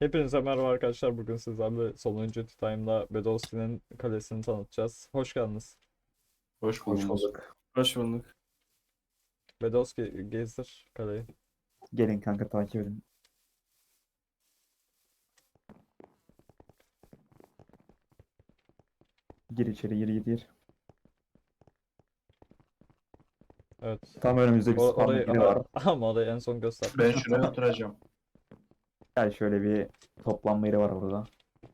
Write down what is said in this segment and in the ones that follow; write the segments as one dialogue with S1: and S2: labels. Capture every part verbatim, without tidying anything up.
S1: Hepinize merhaba arkadaşlar. Bugün sizlerle sonuncu Time'da Bedowski'nin kalesini tanıtacağız. Hoş geldiniz.
S2: Hoş
S3: Hoş
S2: bulduk.
S3: bulduk.
S2: Hoş bulduk.
S1: Bedowski gezdir kaleyi.
S3: Gelin kanka takip edin. Gir içeri gir gir gir.
S1: Evet.
S3: Tam önümüzde bir
S1: O,
S3: spam
S1: orayı
S3: yeri var.
S1: ama orayı en son göster.
S2: Ben şuraya oturacağım.
S3: Gel şöyle bir toplanma yeri var burada.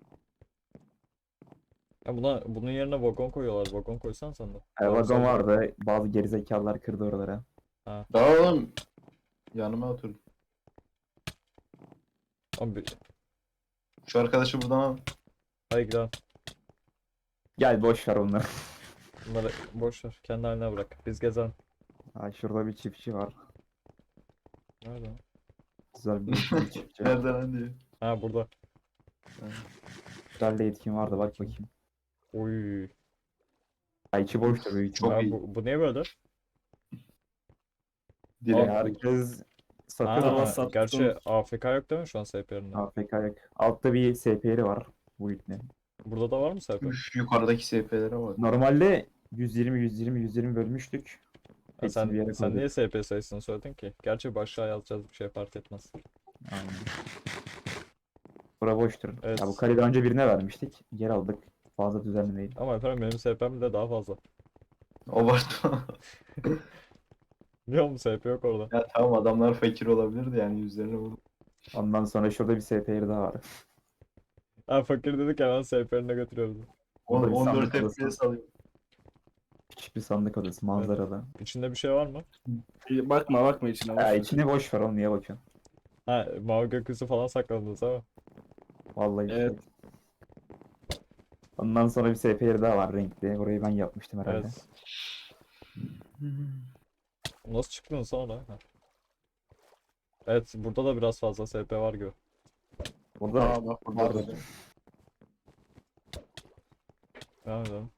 S1: Ya buna bunun yerine vagon koyuyorlar. Vagon koysan sen de.
S3: E,
S1: Daha
S3: vagon
S1: güzel olur.
S3: vardı. Bazı gerizekalılar kırdı oraları.
S2: Daha oğlum yanıma otur.
S1: Ama bir...
S2: Şu arkadaşı buradan al.
S1: Hadi gidelim.
S3: Gel boş ver onları.
S1: Bunları boş ver. Kendi haline bırak. Biz gezelim.
S3: Ha, şurada bir çiftçi var.
S1: Nerede?
S3: Güzel bir, bir çiftçi.
S2: Nereden lan diye.
S1: Ha burada.
S3: Güzel de etkin vardı bak bakayım.
S1: Uy.
S3: Ha, içi boştu büyük
S2: Çok
S3: ihtimal.
S1: Ya
S2: iyi.
S1: bu, bu niye böyle?
S2: Direkt.
S3: Ya, herkes
S1: Ha,
S3: satıyor.
S2: WhatsApp
S1: gerçi
S2: tutum.
S1: A F K yok değil mi şu an S P yerinde?
S3: A F K yok. Altta bir S P yeri var. Bu ipne.
S1: Burada da var mı S P?
S2: Üf, yukarıdaki S P'lere bak.
S3: Normalde yüz yirmi yüz yirmi yüz yirmi bölmüştük.
S1: Ha,
S3: Hepsini bir
S1: sen
S3: yere
S1: sen niye
S3: koyduk.
S1: S P sayısını söyledin ki? Gerçi başlığa yazacağız bir şey fark etmez.
S3: Aynen. Bura boştur.
S1: Evet.
S3: Ya bu kaleyi daha önce birine vermiştik. Geri aldık. Fazla düzenli değil.
S1: Ama efendim benim S P'm de daha fazla.
S2: Abartma.
S1: Biliyor musun S P yok orada.
S2: Ya tamam adamlar fakir olabilirdi yani yüzlerine vurdu.
S3: Ondan sonra şurada bir S P yeri daha var.
S1: Ha fakir dedik hemen S P'ine götürüyoruz.
S3: Burada bir
S2: on dört
S3: sandık
S2: F P S alıyor.
S3: Küçük bir sandık odası manzarada.
S1: İçinde bir şey var mı?
S4: Bakma bakma içine.
S3: Ya
S4: boş ver.
S3: içini boş ver oğlum niye bakıyorsun?
S1: Ha mavi gökyüzü falan sakladınız ama.
S3: Vallahi
S4: Evet.
S3: şey. Ondan sonra bir S P yeri daha var renkli. Orayı ben yapmıştım herhalde.
S1: Evet. Nasıl çıktın sonra? Ha. Evet burada da biraz fazla S P var gibi.
S3: Burada
S4: Aa bak burada.
S3: vardı.
S1: Devam edelim.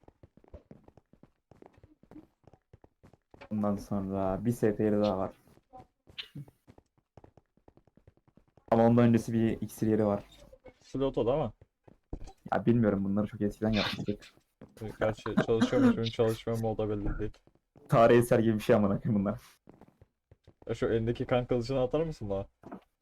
S3: Ondan sonra bir S P yeri daha var. Ama ondan öncesi bir iksir yeri var.
S1: Sloto da ama.
S3: Ya bilmiyorum bunları çok eskiden yapmıştık.
S1: Gerçi çalışıyor mu şimdi çalışmıyor mu o da belli değil.
S3: Tarih eser gibi bir şey amına koyayım bunlar.
S1: Ya şu elindeki kan kılıcını atar mısın bana?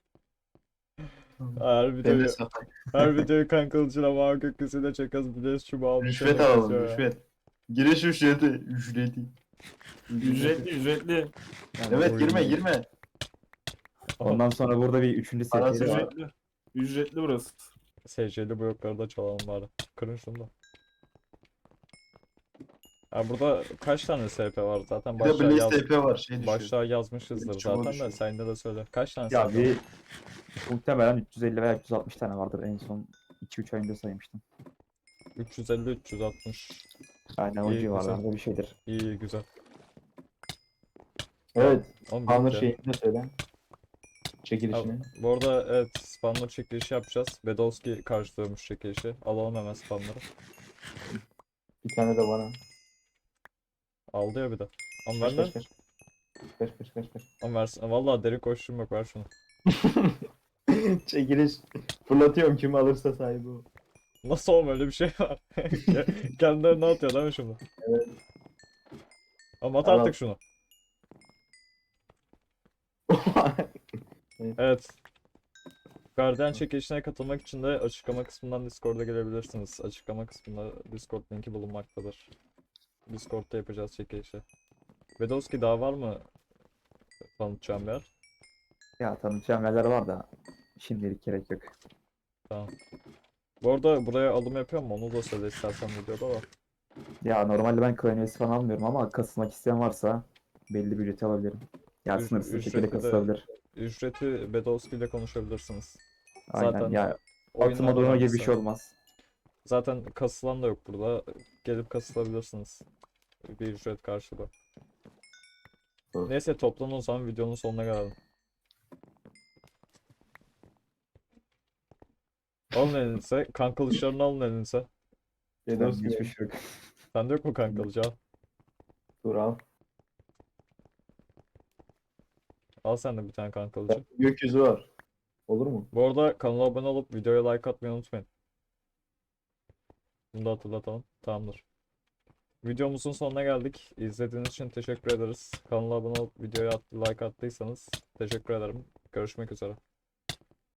S1: Her
S2: Ben
S1: videoyu,
S2: de satayım.
S1: her videoyu kan kılıcıyla mavi gökyüzüyle çekiyoruz. Bir de şu mavi
S2: Rüşvet
S1: şeyle
S2: alalım
S1: yazıyor ya.
S2: rüşvet. Giriş ücreti. Ücreti.
S4: Ücretli ücretli.
S3: Yani
S2: Evet
S3: oyun-
S2: girme girme.
S3: Ondan sonra burada bir üçüncü S P
S2: Parası
S3: yeri var.
S4: Ücretli. Ücretli burası.
S1: S C'li blokları da çalalım bari. Kırın şunu da. Ya burada kaç tane S P var zaten
S2: Bir de
S1: başlığa,
S2: Blaze
S1: yaz,
S2: S P var şey düşüyor.
S1: başlığa yazmışızdır
S2: Çubuğu
S1: zaten de
S2: düşüyor.
S1: sen de de söyle. Kaç tane
S3: Ya
S1: S P var?
S3: bir muhtemelen üç yüz elli veya üç yüz altmış tane vardır en son iki üç ay önce saymıştım.
S1: üç yüz elli üç yüz altmış.
S3: Aynen o
S1: İyi,
S3: civarlarda bir şeydir.
S1: İyi iyi, güzel.
S2: Evet.
S1: Oğlum
S2: Spawner
S1: bitti.
S2: şeyini de söyle.
S1: Ha,
S2: Çekilişini.
S1: bu arada evet spawner çekilişi yapacağız. Bedowski karşılıyormuş çekilişi. Alalım hemen spawner'ı.
S2: Bir tane de bana.
S1: Aldı ya bir de. Ama
S2: Kaç
S1: ver
S2: kaç
S1: lan.
S2: kaç. Kaç kaç kaç kaç.
S1: Ama versin. Valla deri koşuşum yok ver şunu.
S2: Çekiliş. Fırlatıyorum kim alırsa sahibi o.
S1: Nasıl oğlum öyle bir şey var? Kendilerine atıyor değil mi şimdi?
S2: Evet.
S1: Ama at
S2: Al, al.
S1: artık şunu. Evet. Guardian çekilişine katılmak için de açıklama kısmından Discord'a gelebilirsiniz. Açıklama kısmında Discord linki bulunmaktadır. Discord'da yapacağız çekilişi. Bedowski daha var mı tanıtacağım bir yer?
S3: Ya tanıtacağım yerler var da şimdilik gerek yok.
S1: Tamam. Bu arada buraya alım yapıyor mu? Onu da söyle istersen videoda da.
S3: Ya normalde ben klan üyesi falan almıyorum ama kasılmak isteyen varsa belli bir ücreti alabilirim. Ya
S1: Üc-
S3: sınırsız bir şekilde
S1: ücretli de-
S3: kasılabilir.
S1: Ücreti Bedowski ile konuşabilirsiniz.
S3: Aynen
S1: Zaten
S3: ya
S1: oyunun
S3: atma durma gibi bir
S1: önemlisi.
S3: şey olmaz.
S1: Zaten kasılan da yok burada. Gelip kasılabilirsiniz. Bir ücret karşılığı.
S2: Hı.
S1: Neyse toplanın o zaman videonun sonuna gelelim. Alın elinize. Kan kılıçlarını alın elinize.
S3: Ben
S2: Bedowski
S3: hiçbir
S2: benim.
S3: şey yok.
S1: Sende yok mu kan kılıcı? Al.
S2: Dur al.
S1: Al sen de bir tane kan kılıcı.
S2: Gökyüzü var. Olur mu?
S1: Bu arada kanala abone olup videoya like atmayı unutmayın. Bunu da hatırlatalım. Tamamdır. Videomuzun sonuna geldik. İzlediğiniz için teşekkür ederiz. Kanala abone olup videoya at- like attıysanız teşekkür ederim. Görüşmek üzere.